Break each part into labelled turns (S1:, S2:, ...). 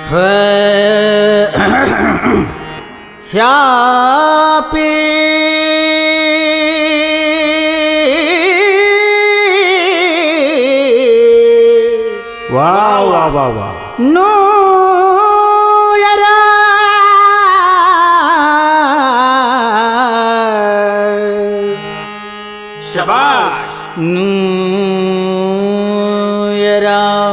S1: happy
S2: ವಾ ವಾ ವಾ ವಾ
S1: ನ್ಯೂ ಇಯರ್
S2: ಶಬಾಷ್
S1: ನ್ಯೂ ಇಯರ್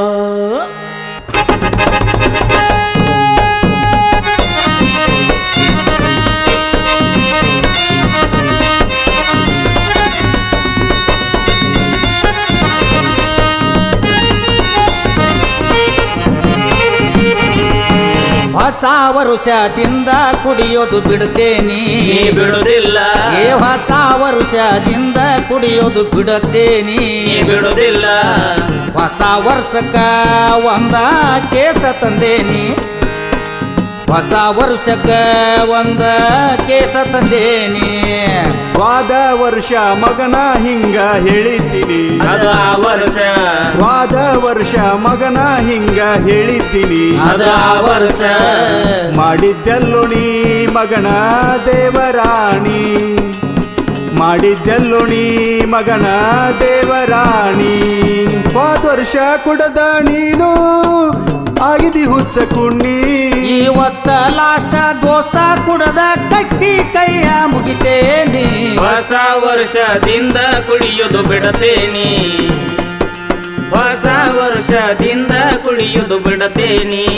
S1: ಹೊಸ ವರುಷದಿಂದ ಕುಡಿಯೋದು ಬಿಡುತ್ತೇನೆ
S3: ಬಿಡುವುದಿಲ್ಲ
S1: ಹೊಸ ವರುಷದಿಂದ ಕುಡಿಯೋದು ಬಿಡುತ್ತೇನೆ
S3: ಬಿಡುವುದಿಲ್ಲ
S1: ಹೊಸ ವರ್ಷಕ್ಕ ಒಂದ ಕೇಸ ತಂದೇನಿ ಹೊಸ ವರ್ಷಕ್ಕ ಒಂದ ಕೇಸ ತಂದೇನಿ
S2: ವಾದ ವರ್ಷ ಮಗನ ಹಿಂಗ ಹೇಳಿದ್ದೀನಿ
S3: ಅದು ಆ ವರ್ಷ
S2: ವಾದ ವರ್ಷ ಮಗನ ಹಿಂಗ ಹೇಳಿದ್ದೀನಿ
S3: ಅದು ಆ ವರ್ಷ
S2: ಮಾಡಿದ್ದೆಲ್ಲೋ ನೀ ಮಗನ ದೇವರಾಣಿ ಮಾಡಿದ್ದೆಲ್ಲೋ ನೀ ಮಗನ ದೇವರಾಣಿ ಹೋದ ವರ್ಷ ಕುಡದ ನೀನು ಆಗಿದಿ ಹುಚ್ಚ ಕುಣ್ಣಿ
S1: ಇವತ್ತ ಲಾಸ್ಟ್ ದೋಸ್ತ ಕುಡದ ಕಟ್ಟಿ ಕೈಯ ಮುಗಿತೇನಿ
S3: ಹೊಸ ವರ್ಷದಿಂದ ಕುಡಿಯೋದು ಬಿಡತೇನಿ ಹೊಸ ವರ್ಷದಿಂದ ಕುಡಿಯೋದು ಬಿಡತೇನಿ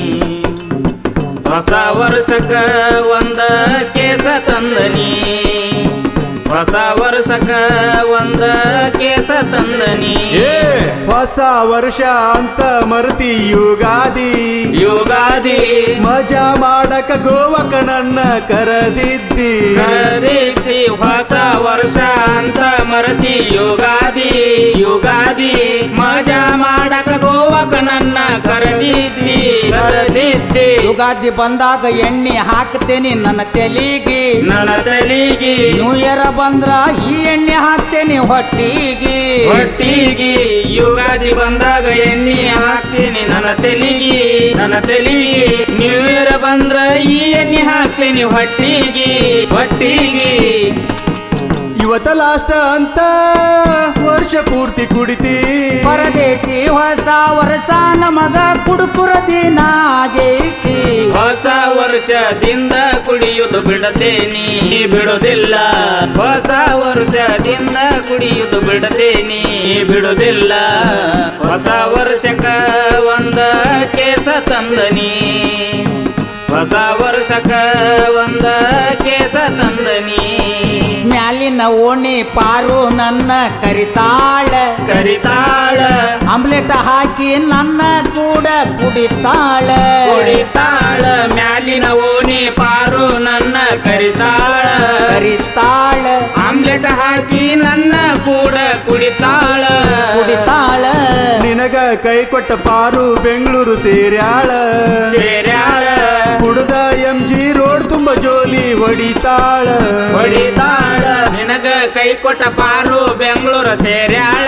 S3: ಹೊಸ ವರ್ಷಕ್ಕ ಒಂದ ಕೇಸ ತಂದನಿ ಹೊಸ ವರ್ಷಕ್ಕ ಒಂದ ಕೇಸ ತಂದನಿ
S2: ಏ ಹೊಸ ವರ್ಷ ಅಂತ ಮರ್ತಿ ಯುಗಾದಿ
S3: ಯುಗಾದಿ
S2: ಮಜಾ ಮಾಡಕ ಗೋವಕ ನನ್ನ ಕರೆದಿದ್ದಿ
S3: ಕರೆದಿದ್ದಿ ಹೊಸ ವರ್ಷ ಅಂತ ಮರತಿ ಯುಗಾದಿ ಯುಗಾದಿ ಮಜಾ ಮಾಡಕ ಗೋವಕ ನನ್ನ ಕರೆದಿದ್ದಿ
S1: ಯುಗಾದಿ ಬಂದಾಗ ಎಣ್ಣೆ ಹಾಕ್ತೇನಿ ನನ್ನ ತೆಲಿಗಿ
S3: ನನ್ನ ತಲಿಗಿ
S1: ನ್ಯೂ ಇಯರ್ ಬಂದ್ರ ಈ ಎಣ್ಣೆ ಹಾಕ್ತೇನಿ ಹೊಟ್ಟಿಗಿ
S3: ಹೊಟ್ಟಿಗಿ ಯುಗಾದಿ ಬಂದಾಗ ಎಣ್ಣೆ ಹಾಕ್ತೀನಿ ನನ್ನ ತಲಿಗಿ ನ್ಯೂ ಇಯರ್ ಬಂದ್ರ ಈ ಎಣ್ಣೆ ಹಾಕ್ತೀನಿ ಹೊಟ್ಟಿಗಿ ಹೊಟ್ಟಿಗಿ
S2: ಇವತ್ತ ಲಾಸ್ಟ್ ಅಂತ ವರ್ಷ ಪೂರ್ತಿ ಕುಡಿತಿ
S1: ಪರದೇಶಿ ಹೊಸ ವರ್ಷ ನಮಗ ಕುಡುಕುರ ದಿನ ಆಗೈತಿ
S3: ಹೊಸ ವರ್ಷದಿಂದ ಕುಡಿಯುವುದು ಬಿಡತೇನಿ ಬಿಡುವುದಿಲ್ಲ ಹೊಸ ವರ್ಷದಿಂದ ಕುಡಿಯುವುದು ಬಿಡತೇನಿ ಬಿಡುವುದಿಲ್ಲ ಹೊಸ ವರ್ಷಕ್ಕ ಒಂದ ಕೇಸ ತಂದನಿ ಹೊಸ ವರ್ಷಕ್ಕ ಒಂದ ಕೇಸ ತಂದನಿ
S1: ಮ್ಯಾಲಿನ ಓಣಿ ಪಾರು ನನ್ನ ಕರಿತಾಳ ಆಮ್ಲೆಟ್ ಹಾಕಿ ನನ್ನ ಕೂಡ ಕುಡಿತಾಳ
S3: ಮ್ಯಾಲಿನ ಓಣಿ ಪಾರು ನನ್ನ ಕರಿತಾಳ ಆಮ್ಲೆಟ್ ಹಾಕಿ ನನ್ನ ಕೂಡ ಕುಡಿತಾಳ
S2: ನಿನಗ ಕೈ ಕೊಟ್ಟ ಪಾರು ಬೆಂಗಳೂರು ಸೇರ್ಯಾಳ ಕುಡ್ದ MG ರೋಡ್ ತುಂಬ ಜೋಲಿ ಹೊಡಿತಾಳ
S3: ನಿನಗ ಕೈ ಕೊಟ್ಟ ಪಾರು ಬೆಂಗಳೂರು ಸೇರ್ಯಾಳ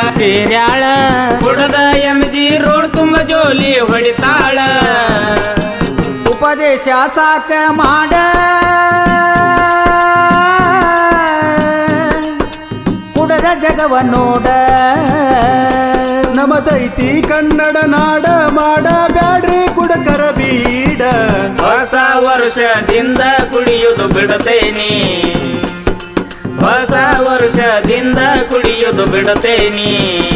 S3: ಕುಡ್ದ MG ರೋಡ್ ತುಂಬ ಜೋಲಿ ಹೊಡಿತಾಳ
S1: ಉಪದೇಶ ಸಾಕ ಮಾಡ ಕುಡದ ಜಗವ ನೋಡ
S2: ನಮದೈತಿ ಕನ್ನಡ ನಾಡ ಮಾಡ ಬ್ಯಾಡ್ರಿ ಕುಡಕರ ಬೀಡ
S3: ಹೊಸ ವರ್ಷದಿಂದ ಕುಡಿಯುವುದು ಬಿಡತೇನಿ ಹೊಸ ವರ್ಷದಿಂದ ಕುಡಿಯುವುದು ಬಿಡತೇನಿ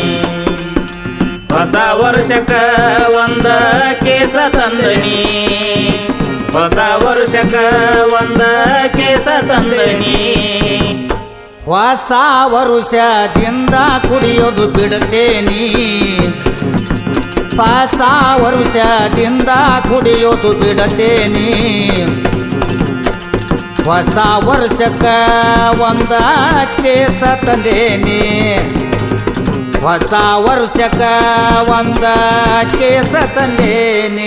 S3: ಹೊಸ ವರ್ಷಕ್ಕ ಒಂದ ಕೇಸ ತಂದನಿ ಹೊಸ ವರ್ಷಕ್ಕ ಒಂದ ಕೇಸ ತಂದನಿ
S1: ಹೊಸ ವರುಷದಿಂದ ಕುಡಿಯೋದು ಬಿಡುತ್ತೇನಿ ಹೊಸ ವರುಷದಿಂದ ಕುಡಿಯೋದು ಬಿಡುತ್ತೇನಿ ಹೊಸ ವರ್ಷಕ್ಕ ಒಂದ ಕೇಸ ತಂದೇನಿ ಹೊಸ ವರ್ಷಕ್ಕ ಒಂದ ಕೇಸ ತಂದೇನಿ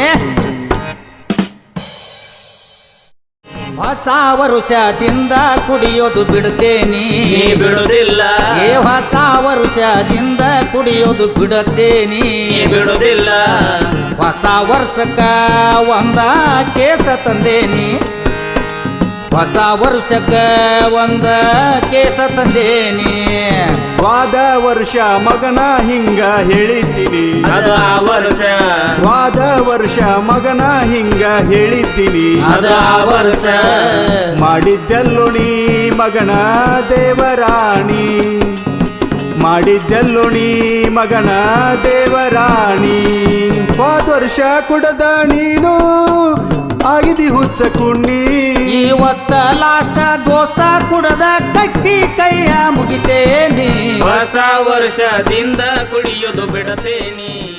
S1: ಹೊಸ ವರುಷದಿಂದ ಕುಡಿಯೋದು ಬಿಡುತ್ತೇನೆ
S3: ಬಿಡುವುದಿಲ್ಲ
S1: ಹೊಸ ವರುಷದಿಂದ ಕುಡಿಯೋದು ಬಿಡುತ್ತೇನೆ
S3: ಬಿಡುವುದಿಲ್ಲ
S1: ಹೊಸ ವರ್ಷಕ್ಕ ಒಂದ ಕೇಸ ತಂದೇನಿ ಹೊಸ ವರ್ಷಕ್ಕ ಒಂದ ಕೇಸ ತಂದೇನಿ
S2: ವಾದ ವರ್ಷ ಮಗನ ಹಿಂಗ ಹೇಳಿದ್ದೀನಿ
S3: ಅದು ಆ ವರ್ಷ
S2: ವಾದ ವರ್ಷ ಮಗನ ಹಿಂಗ ಹೇಳಿದ್ದೀನಿ
S1: ಅದ ಆ ವರ್ಷ
S2: ಮಾಡಿದ್ದೆಲ್ಲೋ ನೀ ಮಗನ ದೇವರಾಣಿ ಮಾಡಿದ್ದೆಲ್ಲೋ ನೀ ಮಗನ ದೇವರಾಣಿ ಹೋದ ವರ್ಷ ಕುಡದ ನೀನು ಆಗಿದಿ ಹುಚ್ಚ ಕುಣ್ಣಿ
S1: ಇವತ್ತ ಲಾಸ್ಟ್ ದೋಸ್ತ ಕುಡದ ಕಟ್ಟಿ ಕೈಯ ಮುಗಿತೇನಿ
S3: ಹೊಸ ವರ್ಷದಿಂದ ಕುಡಿಯೋದು ಬಿಡತೇನಿ